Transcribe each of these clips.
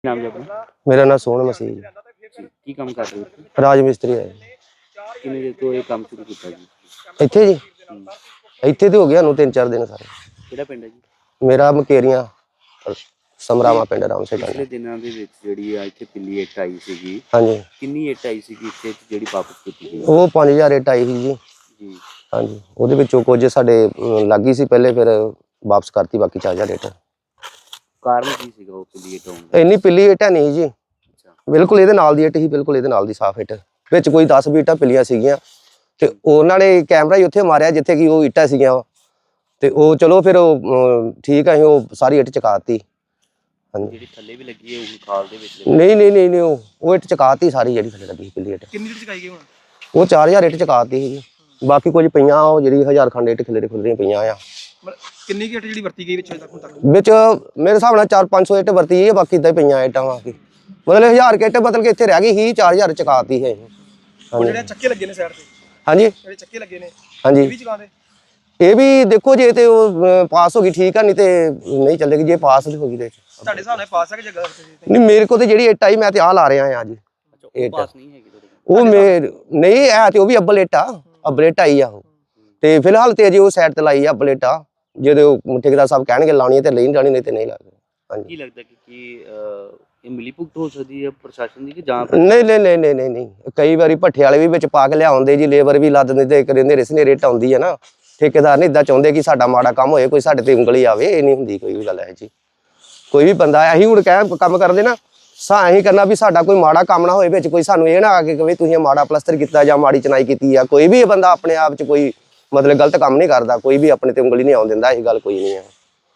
नाम जी अपना? मेरा नाम सोहन मसीह जी। जी, की काम कर रहे हो? राज मिस्त्री है किन्ने देर ਤੋਂ ਇਹ ਕੰਮ ਸ਼ੁਰੂ ਕੀਤਾ ਜੀ? ਇੱਥੇ ਜੀ। ਹੂੰ, ਇੱਥੇ ਤੇ ਹੋ ਗਿਆ ਨੂੰ 3-4 ਦਿਨ ਸਾਰੇ। ਕਿਹੜਾ ਪਿੰਡ ਹੈ ਜੀ? ਮੇਰਾ ਮਕੇਰੀਆਂ ਸਮਰਾਵਾ ਇਹ ਪਿੰਡ ਰਾਮ ਸੇ ਪਿਛਲੇ ਦਿਨਾਂ ਦੇ ਵਿੱਚ ਜਿਹੜੀ ਆ ਇੱਥੇ ਪਿੱਲੀ ਇੱਟ ਆਈ ਸੀਗੀ, ਹਾਂਜੀ। ਕਿੰਨੀ ਇੱਟ ਆਈ ਸੀਗੀ ਇੱਥੇ ਜਿਹੜੀ ਵਾਪਸ ਕੀਤੀ ਗਈ? ਉਹ 5000 ਇੱਟ ਆਈ ਸੀ ਜੀ। ਜੀ, ਹਾਂਜੀ, ਉਹਦੇ ਵਿੱਚੋਂ ਕੁਝ ਸਾਡੇ ਲੱਗੀ ਸੀ ਪਹਿਲੇ, ਫਿਰ ਵਾਪਸ ਕਰਤੀ ਬਾਕੀ 4000 ਇੱਟ। ਕਾਰਨ ਕੀ ਸੀਗਾ ਉਹ ਪਿੱਲੀ ਇੱਟ ਆਉਣ ਦਾ? ਇੰਨੀ ਪਿੱਲੀ ਇੱਟ ਹੈ ਨਹੀਂ ਜੀ, ਅੱਛਾ, ਬਿਲਕੁਲ ਇਹਦੇ ਨਾਲ ਦੀ ਇੱਟ ਹੀ, ਬਿਲਕੁਲ ਇਹਦੇ ਨਾਲ ਦੀ ਸਾਫ਼ ਇੱਟ। ਵਿੱਚ ਕੋਈ 10-20 ਇੱਟਾਂ ਪਿੱਲੀਆਂ ਸੀਗੀਆਂ ਤੇ ਉਹਨਾਂ ਨੇ ਕੈਮਰਾ ਹੀ ਉੱਥੇ ਮਾਰਿਆ ਜਿੱਥੇ ਕਿ ਉਹ ਇੱਟਾਂ ਸੀਗੀਆਂ ਤੇ ਉਹ ਚਲੋ ਫਿਰ ਉਹ ਠੀਕ ਹੈ, ਉਹ ਸਾਰੀ ਇੱਟ ਚਕਾਤੀ। ਹਾਂਜੀ, ਜਿਹੜੀ ਥੱਲੇ ਵੀ ਲੱਗੀ ਹੈ ਉਹ ਖਾਲ ਦੇ ਵਿੱਚ ਨਹੀਂ ਉਹ ਇੱਟ ਚਕਾਤੀ ਸਾਰੀ ਜਿਹੜੀ ਥੱਲੇ ਲੱਗੀ ਪਿੱਲੀ ਇੱਟ। ਕਿੰਨੀ ਇੱਟ ਚਕਾਈ ਗਈ ਹੁਣ? ਉਹ 4000 ਇੱਟ ਚਕਾਤੀ ਸੀ ਜੀ। ਬਾਕੀ ਕੁਝ ਪਈਆਂ ਉਹ ਜਿਹੜੀ 1000 ਖੰਡ ਇੱਟ ਖਿਲਰੀਆਂ ਪਈਆਂ ਆ। ਮਤਲਬ ਕਿੰਨੀ ਕੁ ਇੱਟ ਜਿਹੜੀ ਵਰਤੀ ਗਈ ਵਿੱਚ ਹੁਣ ਤੱਕ? ਵਿੱਚ ਮੇਰੇ ਹਿਸਾਬ ਨਾਲ 400-500 ਇੱਟ ਵਰਤੀ ਹੈ, ਬਾਕੀ ਇਦਾਂ ਹੀ ਪਈਆਂ ਇੱਟਾਂ ਬਾਕੀ ਮਤਲਬ 1000 ਇੱਟ ਬਦਲ ਕੇ ਇੱਥੇ ਰਹਿ ਗਈ ਸੀ, 4000 ਚਕਾਤੀ ਹੈ। ਉਹ ਜਿਹੜੇ ਚੱਕੇ ਲੱਗੇ ਨੇ ਸਾਈਡ ਤੇ, ਹਾਂਜੀ ਜਿਹੜੇ ਚੱਕੇ ਲੱਗੇ ਨੇ ਹਾਂਜੀ, ਇਹ ਵੀ ਚਕਾਉਂਦੇ? ਇਹ ਵੀ ਦੇਖੋ ਜੇ ਤੇ ਉਹ ਪਾਸ ਹੋ ਗਈ ਠੀਕ ਆ, ਨਹੀਂ ਤੇ ਨਹੀਂ ਚੱਲੇਗੀ। ਜੇ ਪਾਸ ਹੋ ਗਈ ਤੇ ਤੁਹਾਡੇ ਹਿਸਾਬ ਨਾਲ ਪਾਸ ਹੈ ਕਿ ਜਗ੍ਹਾ ਤੇ? ਨਹੀਂ, ਮੇਰੇ ਕੋਲ ਤੇ ਜਿਹੜੀ ਇੱਟ ਆਈ ਮੈਂ ਤੇ ਆਹ ਲਾ ਰਿਹਾ ਆ ਜੀ। ਅੱਛਾ, ਉਹ ਪਾਸ ਨਹੀਂ ਹੈਗੀ ਤੁਹਾਡੇ ਕੋਲ? ਉਹ ਨਹੀਂ ਹੈ ਤੇ ਉਹ ਵੀ ਅੱਬਲ ਇੱਟ ਆ, ਅੱਬਲ ਇੱਟ ਆਈ ਆ ਉਹ। ਤੇ ਫਿਲਹਾਲ ਤੇ ਅਜੇ ਉਹ ਸਾਈਡ ਤੇ ਲਾਈ ਆ ਅੱਬਲ ਇੱਟ ਆ। ਜਦੋਂ ਠੇਕੇਦਾਰ ਸਾਹਿਬ ਕਹਿਣਗੇ ਲਾਉਣੀ ਹੈ ਤੇ ਲਈ ਜਾਣੀ, ਨਹੀਂ ਤੇ ਨਹੀਂ ਲਾਣੀ। ਹਾਂਜੀ, ਕੀ ਲੱਗਦਾ ਕਿ ਇਹ ਮਿਲੀ ਭੁਗਤ ਹੋ ਸਕਦੀ ਹੈ ਪ੍ਰਸ਼ਾਸਨ ਦੀ ਕਿ ਜਾਂ? ਨਹੀਂ, ਕਈ ਵਾਰੀ ਭੱਠੇ ਵਾਲੇ ਵੀ ਵਿੱਚ ਪਾ ਕੇ ਲਿਆਉਂਦੇ ਜੀ, ਲੇਬਰ ਵੀ ਲੱਦ ਦਿੰਦੇ, ਕਰਿੰਦੇ ਸਨੇਰੇ ਆਉਂਦੀ ਹੈ ਨਾ। ਠੇਕੇਦਾਰ ਨਹੀਂ ਇਦਾਂ ਚਾਹੁੰਦੇ ਕਿ ਸਾਡਾ ਮਾੜਾ ਕੰਮ ਹੋਏ, ਕੋਈ ਸਾਡੇ ਤੇ ਉਂਗਲੀ ਆਵੇ, ਇਹ ਨਹੀਂ ਹੁੰਦੀ ਕੋਈ ਵੀ ਗੱਲ ਹੈ ਜੀ। ਕੋਈ ਵੀ ਬੰਦਾ ਅਸੀਂ ਹੁਣ ਕੰਮ ਕਰਦੇ ਨਾ ਅਸੀਂ ਕਰਨਾ ਵੀ ਸਾਡਾ ਕੋਈ ਮਾੜਾ ਕੰਮ ਨਾ ਹੋਏ, ਵਿੱਚ ਕੋਈ ਸਾਨੂੰ ਇਹ ਨਾ ਆ ਕੇ ਕਹੇ ਤੁਸੀਂ ਮਾੜਾ ਪਲਸਤਰ ਕੀਤਾ ਜਾਂ ਮਾੜੀ ਚਨਾਈ ਕੀਤੀ ਆ। ਕੋਈ ਵੀ ਬੰਦਾ ਆਪਣੇ ਆਪ 'ਚ ਕੋਈ ਮਤਲਬ ਗਲਤ ਕੰਮ ਨਹੀਂ ਕਰਦਾ, ਕੋਈ ਵੀ ਆਪਣੇ ਤੇ ਉਂਗਲੀ ਨਹੀਂ ਆਉਣ ਦਿੰਦਾ, ਇਹ ਗੱਲ ਕੋਈ ਨਹੀਂ ਆ।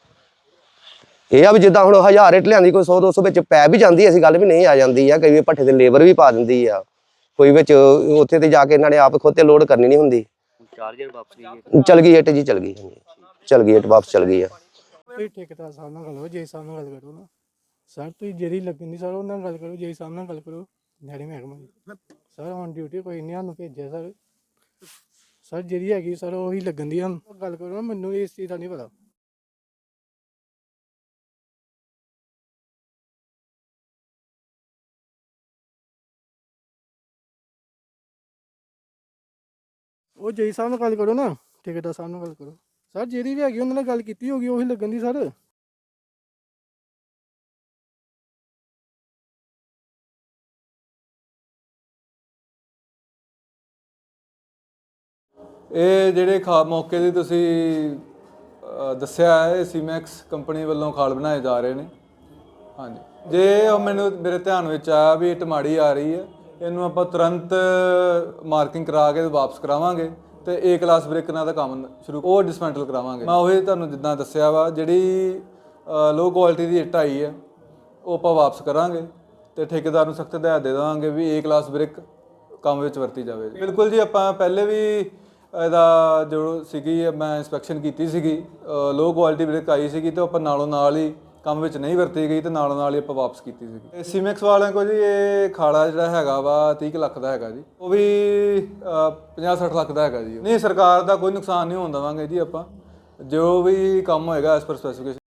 ਇਹ ਆ ਵੀ ਜਿੱਦਾਂ ਹੁਣ 1000 ਇੱਟ ਲਿਆਂਦੀ, ਕੋਈ 100-200 ਵਿੱਚ ਪੈ ਵੀ ਜਾਂਦੀ, ਐਸੀ ਗੱਲ ਵੀ ਨਹੀਂ ਆ ਜਾਂਦੀ ਆ। ਕਈ ਭੱਠੇ ਤੇ ਲੇਬਰ ਵੀ ਪਾ ਦਿੰਦੀ ਆ, ਕੋਈ ਵਿੱਚ ਉੱਥੇ ਤੇ ਜਾ ਕੇ ਇਹਨਾਂ ਨੇ ਆਪ ਖੁਦ ਤੇ ਲੋਡ ਕਰਨੀ ਨਹੀਂ ਹੁੰਦੀ। 4000 ਵਾਪਸ ਗਈ ਚਲ ਗਈ ਇੱਟ ਜੀ, ਚਲ ਗਈ। ਚਲ ਗਈ ਇੱਟ, ਵਾਪਸ ਚਲ ਗਈ ਆ। ਠੇਕੇਦਾਰ ਸਾਹਿਬ ਨਾਲ ਗੱਲ ਕਰੋ, ਜੇ ਸਾਹਿਬ ਨਾਲ ਗੱਲ ਕਰੋ ਨਾ ਸਰ, ਤੁਸੀਂ ਜਿਹੜੀ ਲੱਗਣੀ ਸਰ ਉਹਨਾਂ ਨਾਲ ਗੱਲ ਕਰੋ, ਜੇ ਸਾਹਿਬ ਨਾਲ ਗੱਲ ਕਰੋ, ਨਹਿਰੀ ਮਹਿਕਮਾ ਸਰ ਔਨ ਡਿਊਟੀ ਕੋਈ ਨਹੀਂ ਸਾਨੂੰ ਭੇਜਿਆ ਸਰ ਜਿਹੜੀ ਹੈਗੀ ਸਰ ਉਹੀ ਲੱਗਣ ਦੀ ਗੱਲ ਕਰੋ ਨਾ, ਮੈਨੂੰ ਇਸ ਚੀਜ਼ ਦਾ ਨਹੀਂ ਪਤਾ। ਉਹ ਜੇ ਸਾਹਿਬ ਨਾਲ ਗੱਲ ਕਰੋ ਨਾ, ਠੇਕੇਦਾਰ ਸਾਹਿਬ ਨਾਲ ਗੱਲ ਕਰੋ ਸਰ, ਜਿਹੜੀ ਵੀ ਹੈਗੀ ਉਹਨਾਂ ਨਾਲ ਗੱਲ ਕੀਤੀ ਹੋਗੀ ਉਹੀ ਲੱਗਣ ਦੀ ਸਰ। ਇਹ ਜਿਹੜੇ ਮੌਕੇ ਦੀ ਤੁਸੀਂ ਦੱਸਿਆ ਹੈ, ਇਹ ਸੀਮੈਕਸ ਕੰਪਨੀ ਵੱਲੋਂ ਖਾਲ ਬਣਾਏ ਜਾ ਰਹੇ ਨੇ। ਹਾਂਜੀ, ਜੇ ਮੇਰੇ ਧਿਆਨ ਵਿੱਚ ਆਇਆ ਵੀ ਇਹ ਟਮਾੜੀ ਆ ਰਹੀ ਹੈ, ਇਹਨੂੰ ਆਪਾਂ ਤੁਰੰਤ ਮਾਰਕਿੰਗ ਕਰਾ ਕੇ ਵਾਪਸ ਕਰਾਵਾਂਗੇ ਤੇ ਏ ਕਲਾਸ ਬ੍ਰਿਕ ਨਾਲ ਦਾ ਕੰਮ ਸ਼ੁਰੂ ਉਹ ਡਿਸਮੈਂਟਲ ਕਰਾਵਾਂਗੇ। ਮੈਂ ਉਹੀ ਤੁਹਾਨੂੰ ਜਿੱਦਾਂ ਦੱਸਿਆ ਵਾ, ਜਿਹੜੀ ਲੋ ਕੁਆਲਿਟੀ ਦੀ ਇੱਟ ਆਈ ਹੈ ਉਹ ਆਪਾਂ ਵਾਪਸ ਕਰਾਂਗੇ ਤੇ ਠੇਕੇਦਾਰ ਨੂੰ ਸਖਤ ਹਦਾਇਤ ਦੇ ਦੇਵਾਂਗੇ ਵੀ ਏ ਕਲਾਸ ਬ੍ਰਿਕ ਕੰਮ ਵਿੱਚ ਵਰਤੀ ਜਾਵੇ। ਬਿਲਕੁਲ ਜੀ, ਆਪਾਂ ਪਹਿਲੇ ਵੀ ਇਹਦਾ ਜੋ ਸੀਗੀ ਮੈਂ ਇੰਸਪੈਕਸ਼ਨ ਕੀਤੀ ਸੀਗੀ, ਲੋ ਕੁਆਲਿਟੀ ਬ੍ਰਿਕ ਆਈ ਸੀਗੀ ਤੇ ਆਪਾਂ ਨਾਲੋਂ ਨਾਲ ਹੀ ਕੰਮ ਵਿੱਚ ਨਹੀਂ ਵਰਤੀ ਗਈ ਤੇ ਨਾਲੋਂ ਨਾਲ ਹੀ ਆਪਾਂ ਵਾਪਸ ਕੀਤੀ ਸੀਗੀ। ਸੀਮੈਕਸ ਵਾਲਿਆਂ ਕੋਲ ਜੀ ਇਹ ਖਾਲਾ ਜਿਹੜਾ ਹੈਗਾ ਵਾ 30 ਲੱਖ ਦਾ ਹੈਗਾ ਜੀ, ਉਹ ਵੀ 50-60 ਲੱਖ ਦਾ ਹੈਗਾ ਜੀ। ਨਹੀਂ, ਸਰਕਾਰ ਦਾ ਕੋਈ ਨੁਕਸਾਨ ਨਹੀਂ ਹੋਣ ਦੇਵਾਂਗੇ ਜੀ। ਆਪਾਂ ਜੋ ਵੀ ਕੰਮ ਹੋਏਗਾ ਐਸ ਪਰ ਸਪੈਸੀਫਿਕੇਸ਼ਨ